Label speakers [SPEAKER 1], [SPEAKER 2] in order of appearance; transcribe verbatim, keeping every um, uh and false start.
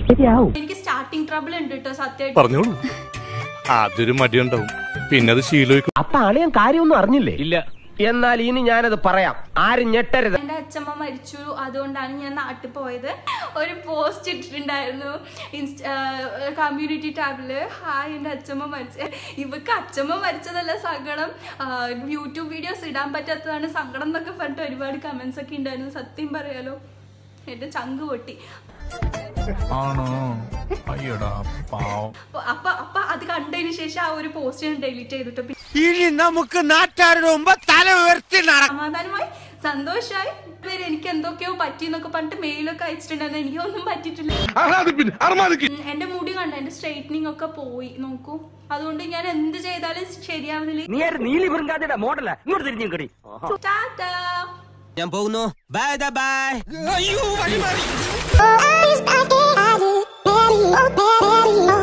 [SPEAKER 1] എനിക്ക് starting trouble ഉണ്ട് കേട്ടോ സത്യമായിട്ട്.
[SPEAKER 2] പറഞ്ഞോളൂ. അതൊരു മടിയുണ്ടാവും, പിന്നെ അത് ശീലം.
[SPEAKER 3] അപ്പൊ ആളിയാൻ കാര്യമൊന്നും അറിഞ്ഞില്ലേ? ഇല്ല. എന്നാൽ ഇനി ഞാനത് പറയാം, ആരും ഞെട്ടരുത്.
[SPEAKER 1] എന്റെ അച്ഛമ്മ മരിച്ചു, അതുകൊണ്ടാണ് ഞാൻ നാട്ടിൽ പോയത്. ഒരു പോസ്റ്റ് ഇട്ടിട്ടുണ്ടായിരുന്നു കമ്മ്യൂണിറ്റി ടാബില്, ഹായ് എന്റെ അച്ഛമ്മ മരിച്ച. ഇവക്ക് അച്ഛമ്മ മരിച്ചതല്ല സങ്കടം, യൂട്യൂബ് വീഡിയോസ് ഇടാൻ പറ്റാത്തതാണ് സങ്കടം എന്നൊക്കെ പറഞ്ഞിട്ട് ഒരുപാട് കമന്റ്സ് ഒക്കെ ഉണ്ടായിരുന്നു. സത്യം പറയാലോ എന്റെ ചങ്ക് പൊട്ടി. അപ്പൊ അപ്പൊ അത് കണ്ടതിന് ശേഷം ആ ഒരു പോസ്റ്റ് ഞാൻ ഡിലീറ്റ് ചെയ്തിട്ട്
[SPEAKER 4] നമുക്ക് നാട്ടുകാരുടെ മുമ്പ് തല ഉയർത്തി
[SPEAKER 1] സമാധാനമായി സന്തോഷമായി. എനിക്ക് എന്തൊക്കെയോ പറ്റി എന്നൊക്കെ പറഞ്ഞിട്ട് മെയിലൊക്കെ അയച്ചിട്ടുണ്ടായിരുന്നു. എനിക്കൊന്നും പറ്റിയിട്ടില്ല. എന്റെ മുടി കണ്ട, എന്റെ സ്ട്രൈറ്റനിങ് ഒക്കെ പോയി നോക്കൂ. അതുകൊണ്ട് ഞാൻ എന്ത് ചെയ്താലും ശരിയാവുന്നില്ല.
[SPEAKER 4] ഞാൻ പോകുന്നു. Bye by.